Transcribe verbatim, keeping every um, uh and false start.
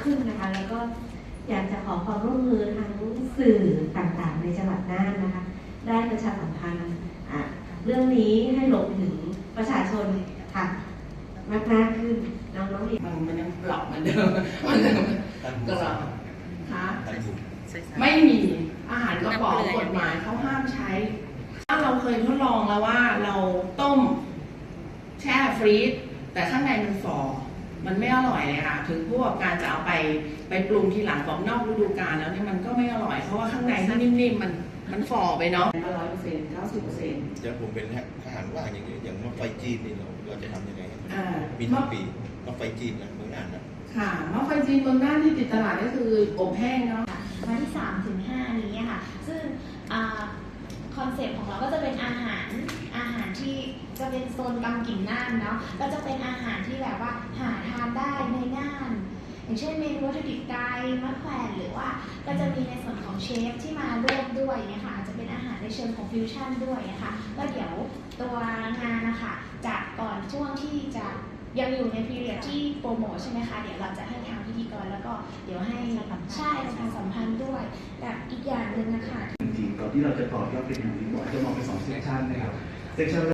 ขึ้นนะคะแล้วก็อยากจะขอความร่วมมือทั้งสื่อต่างๆในจังหวัดน่านนะคะได้ประชาสัมพันธ์เรื่องนี้ให้ลงถึงประชาชนค่ะมากมากขึ้นน้องๆเองมันมันยังหลอกเหมือนเดิมมันยังก็หลอกคะไม่มีอาหารกระป๋องกฎหมายเขาห้ามใช้ถ้าเราเคยทดลองแล้วว่าเราต้มแช่ฟรีซแต่ข้างในมันฝ่อมันไม่อร่อยเลยค่ะถึงผู้ประกอบการจะเอาไปไปปรุงทีหลังบอกนอกฤดูกาลแล้วเนี่ยมันก็ไม่อร่อยเพราะว่าข้างในที่นิ่มๆมันมันฝ่อไปเนาะร้อยเปอร์เซ็นต์เก้าสิบเปอร์เซ็นต์จะผมเป็นทหารว่างอย่างนี้อย่างมะไฟจีนนี่เราเราจะทำยังไงมีทุกปีมะไฟจีนนะเมืองน่านนะค่ะมะไฟจีนเมืองน่านที่ติดตลาดก็คืออบแห้งเนาะวันที่สามถึงห้านี้ค่ะซึ่งคอนเซ็ปต์ของเราก็จะเป็นอาหารอาหารที่จะเป็นโซนกำกิ่งน่านเนาะก็จะเป็นอาหารที่แบบว่าหาทานได้ในน่านอย่างเช่นเมนูวัตถุดิบไก่มะแขวนหรือว่าก็จะมีในส่วนของเชฟที่มาร่วมด้วยเนี่ยค่ะจะเป็นอาหารในเชิงของฟิวชั่นด้วยนะคะก็เดี๋ยวตัวงานนะคะจะก่อนช่วงที่จะยังอยู่ในพีเรียดที่โปรโมทใช่ไหมคะเดี๋ยวเราจะให้ทางพิธีกรแล้วก็เดี๋ยวให้ใช่ประชาสัมพันธ์ด้วยแต่อีกอย่างหนึ่งนะคะจริงๆก่อนที่เราจะต่อยอดเป็นอย่างนี้ก่อนจะมองเป็นสองเซสชันนะครับเซสชัน